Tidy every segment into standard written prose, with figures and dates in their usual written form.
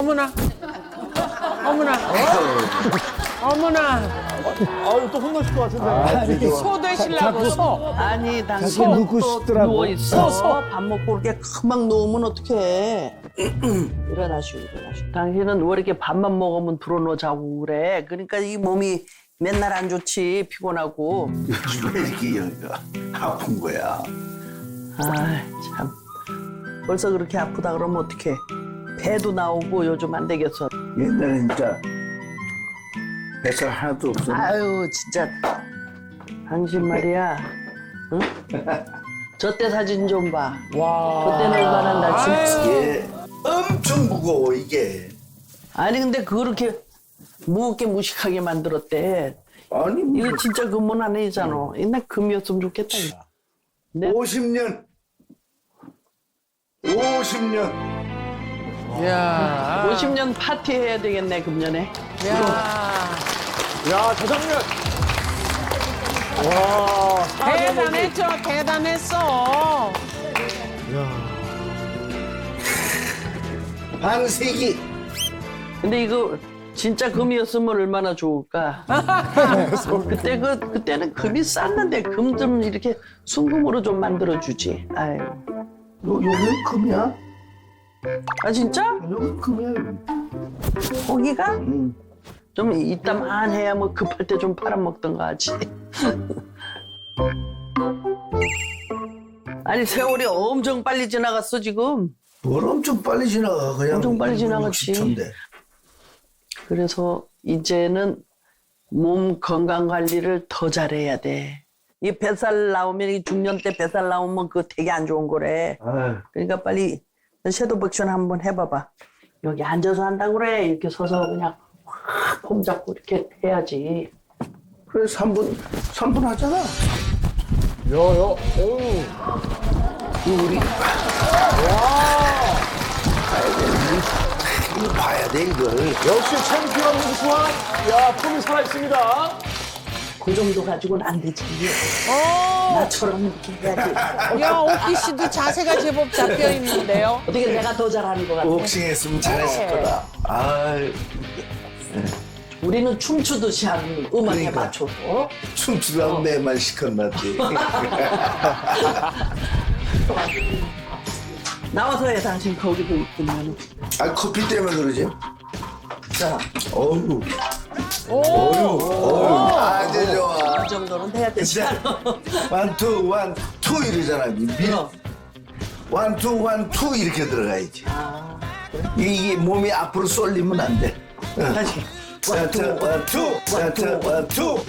어머나. 어머나. 어머나. 아유, 또 혼나실 것 같은데. 소 되시려고 소. 아니 당신 자꾸 눕고 또 싶더라고. 누워있어. 밥 먹고 이렇게 금방 누우면 어떡해. 일어나시오. 당신은 왜 이렇게 밥만 먹으면 들어누워 자고 그래. 그러니까 이 몸이 맨날 안 좋지. 피곤하고. 요즘 왜 이렇게 여기가 아픈 거야? 아 참. 벌써 그렇게 아프다 그러면 어떡해. 배도 나오고 요즘 안 되겠어. 옛날에 진짜 뱃살 하나도 없었는데 아유 진짜. 당신 말이야. 응? 저 때 사진 좀 봐. 저 때는 얼마나 날씬했어. 이게 엄청 무거워 이게. 아니 근데 그렇게 무겁게 무식하게 만들었대. 아니 뭐 이거 진짜 금은 아니잖아. 옛날 금이었으면 좋겠다. 이거. 네? 50년 50년 야. 50년 파티 해야 되겠네 금년에. 야. 야, 저 장면. 와, 대단했죠. 대단했어. 반세기 근데 이거 진짜 금이었으면 얼마나 좋을까. 그때는 금이 쌌는데 금 좀 이렇게 순금으로 좀 만들어 주지. 아유. 여기 금이야? 아 진짜? 여기 금이야 여기. 고기가? 응. 좀 이따만 해야 뭐 급할 때 좀 팔아먹던가 하지. 아니 세월이 엄청 빨리 지나갔어 지금. 뭘 엄청 빨리 지나가 그냥 엄청 빨리 지나갔지. 60초인데. 그래서 이제는 몸 건강 관리를 더 잘해야 돼. 이 뱃살 나오면 이 중년 때 뱃살 나오면 그거 되게 안 좋은 거래. 아유, 그러니까 빨리 섀도우 백션 한번 해봐봐. 여기 앉아서 한다고 그래. 이렇게 서서 그냥 확 폼 잡고 이렇게 해야지. 그래 3분 하잖아. 어우. 우리 이거 봐야 돼 이걸. 역시 챔피언 무수한, 야, 폼이 살아있습니다. 그 정도 가지고는 안 되지. 어. 나처럼 이렇게 해야지. 야, 오키 씨도 자세가 제법 잡혀 있는데요. 어떻게 내가 더 잘하는 것 같아. 복싱했으면 잘했을 거다. 아유, 우리는 춤추듯이 하는 음악에 그러니까. 맞춰서. 춤추라고 내 말 시켰나지. 나와서 해, 당신 거기도 있으면. 아 커피 때문에 그러지? 자, 어우, 오. 어우, 아주 좋아. 이 정도는 해야 되지 진짜 않아? 원투 원투 이러잖아. 그럼. 원투 원투 이렇게 들어가야지. 아, 이게 몸이 앞으로 쏠리면 안 돼. 다시. 원투 원투 원투 원투.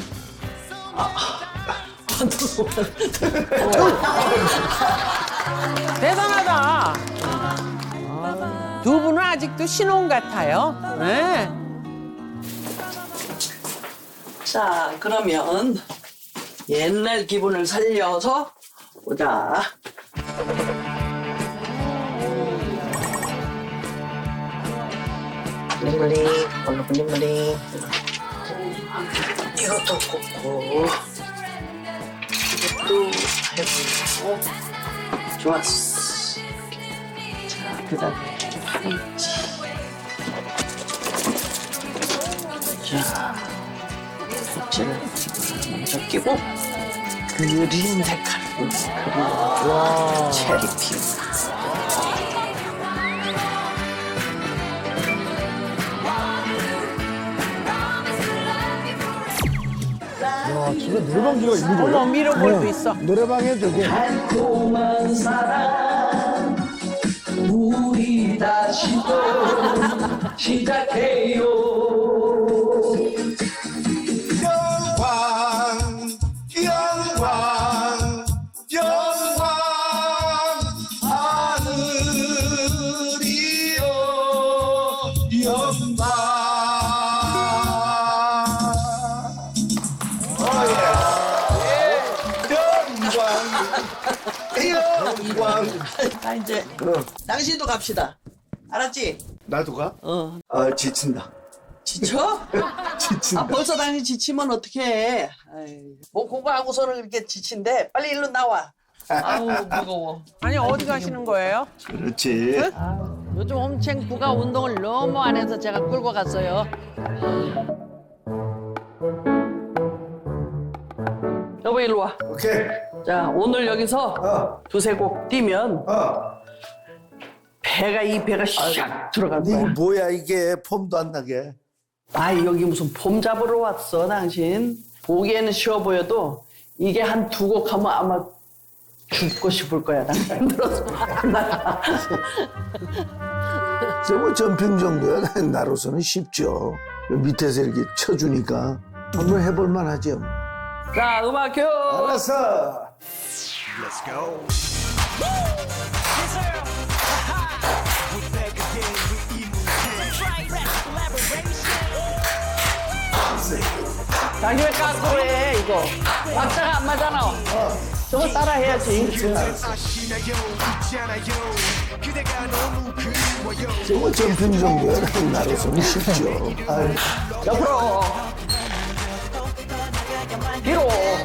대단하다. 두 분은 아직도 신혼 같아요. 네. 자, 그러면 옛날 기분을 살려서 보자. 블링블링, 얼른 블링블링. 이것도 꽂고, 이것도 해보고. 좋았어. 자, 그 다음에 파김치. 자, 꼭지를 먼저 끼고, 그린 색깔로 그리고 체리핑. 야, 집에 노래방기가 있는 거예요? 어머, 미러볼도 있어. 노래방에 저기 달콤한 사랑 우리 다시 또 시작해요. 영광 영광 영광 하늘이여 영광. 영광. 자 이제 당신도 갑시다. 알았지? 나도 가? 어. 아 지친다. 지쳐? 지친다. 아 벌써 당신 지치면 어떡해. 뭐 공부하고서는 이렇게 지친데 빨리 일로 나와. 아우 무거워. 아니, 어디 가시는 거예요? 그렇지. 아우 요즘 홈챙프가 운동을 너무 안 해서 제가 끌고 갔어요. 여보 일로 와. 오케이. 자 오늘 여기서 두세 곡 뛰면 이 배가 샥 들어갈 이게 거야. 뭐야 이게 폼도 안 나게. 아 여기 무슨 폼 잡으러 왔어 당신. 보기에는 쉬워 보여도 이게 한 두 곡 하면 아마 죽고 싶을 거야. 나 힘들어서 안 나가. 뭐 점핑 정도야 나로서는 쉽죠. 밑에서 이렇게 쳐주니까 한번 해볼만 하죠. 자 음악 큐. 알았어. 당신 왜 까꾸로 해 이거. 박자가 안 맞잖아. 저거 따라 해야지. 뭐 점핑 정도야 나로서는 쉽죠. 아유, 옆으로. 뒤로.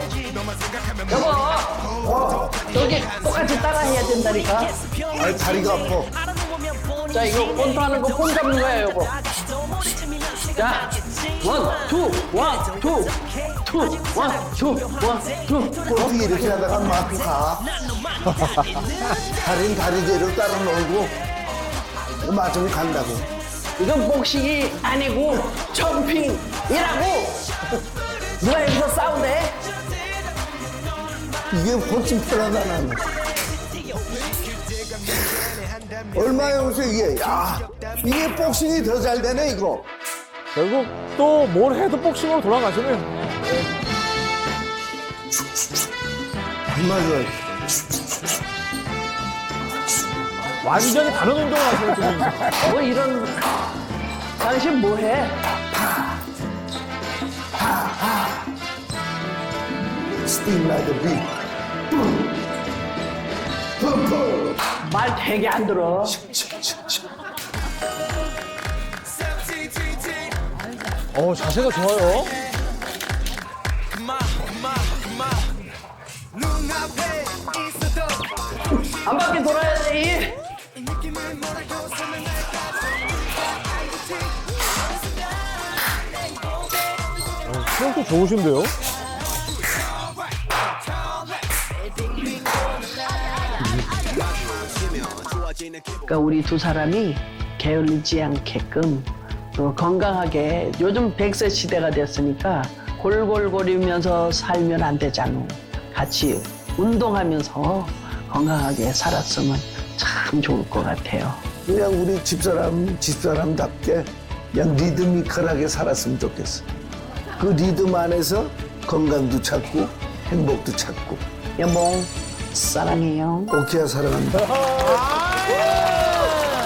여보. 저기 똑같이 따라 해야 된다니까. 아 다리가 아파. 자 이거 본토하는 거 폰 잡는 거야 여보. 자 원, 투, 원, 투, 투, 원, 투, 원, 투. 어떻게 이렇게 하다가 막 가. 다리는 다리대로 따라 놀고 맞으면 간다고. 이건 복식이 아니고 점핑이라고. 누가 여기서 싸우네? 이게 훨씬 편하다 나는. 얼마에 오세요 이게? 야 이게 복싱이 더 잘 되네 이거. 결국 또 뭘 해도 복싱으로 돌아가시네요. 맞아. 완전히 다른 운동을 하시는 분이죠. 뭐 이런 당신 뭐해? Sting like a bee. 뿜뿜. 말 되게 안 들어. 자세가 좋아요. 한 바퀴 돌아야 돼. 수영도 좋으신데요? 그러니까 우리 두 사람이 게을리지 않게끔 또 건강하게 요즘 100세 시대가 됐으니까 골골거리면서 살면 안 되잖아. 같이 운동하면서 건강하게 살았으면 참 좋을 것 같아요. 그냥 우리 집사람답게 그냥 리드미컬하게 살았으면 좋겠어. 그 리듬 안에서 건강도 찾고 행복도 찾고. 여보 사랑해요. 오케이 사랑한다.